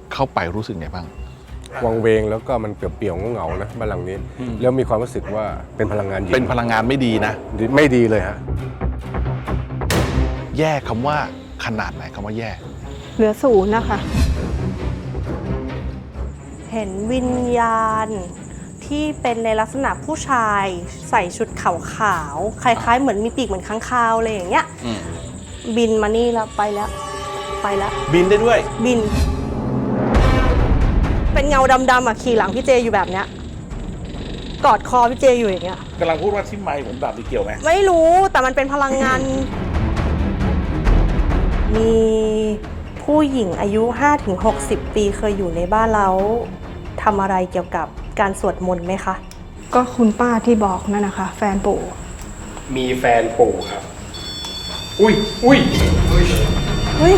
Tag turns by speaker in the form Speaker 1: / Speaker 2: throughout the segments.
Speaker 1: เข้าไปรู้สึกไงบ้าง
Speaker 2: วังเวงแล้วก็มันเปลี่ยวๆเหงาๆนะบ้านหลังนี้แล้วมีความรู้สึกว่าเป็นพลังงานหญิง
Speaker 1: เป็นพลังงานไม่ดีนะ
Speaker 2: ไม่ดีเลยฮะ
Speaker 1: แย่คำว่าขนาดไหนคำว่าแย่
Speaker 3: เหลือศูนย์นะคะ
Speaker 4: เห็นวิญญาณที่เป็นในลักษณะผู้ชายใส่ชุดขาวๆคล้ายๆเหมือนมีปีกเหมือนค้างคาวอะไรอย่างเงี้ยบินมานี่แล้วไปแล้ว
Speaker 1: บินได้ด้วย
Speaker 4: บิน เป็นเงาดำๆอ่ะขี่หลังพี่เจอยู่แบบเนี้ยกอดคอพี่เจอยู่อย่างเงี้ย
Speaker 1: กำลังพูดว่าที่ไมค์ผมแบบนี้เกี่ยวไหม
Speaker 4: ไม่รู้แต่มันเป็นพลังงาน มีผู้หญิงอายุ 5-60 ปีเคยอยู่ในบ้านแล้วทำอะไรเกี่ยวกับการสวดมนต์ไหมคะ
Speaker 3: ก็คุณป้าที่บอกนั่นนะคะ แฟนปู่
Speaker 2: มีแฟนปู่ครับอุ้ย
Speaker 4: เฮ้ย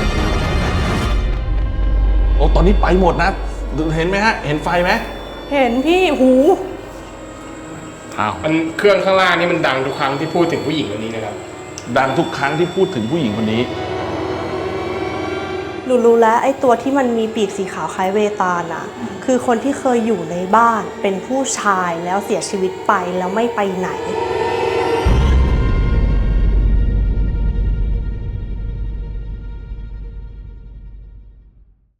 Speaker 1: โอ้ตอนนี้ไปหมดนะเห็นไหมฮะเห็นไฟไหม
Speaker 4: เห็นพี่หู
Speaker 1: อ้าว
Speaker 5: มันเครื่องข้างล่างนี่มันดังทุกครั้งที่พูดถึงผู้หญิงคนนี้นะครับ
Speaker 1: ดังทุกครั้งที่พูดถึงผู้หญิงคนนี้
Speaker 4: หนูรู้แล้วไอ้ตัวที่มันมีปีกสีขาวคล้ายเวตาลน่ะคือคนที่เคยอยู่ในบ้านเป็นผู้ชายแล้วเสียชีวิตไปแล้วไม่ไปไหน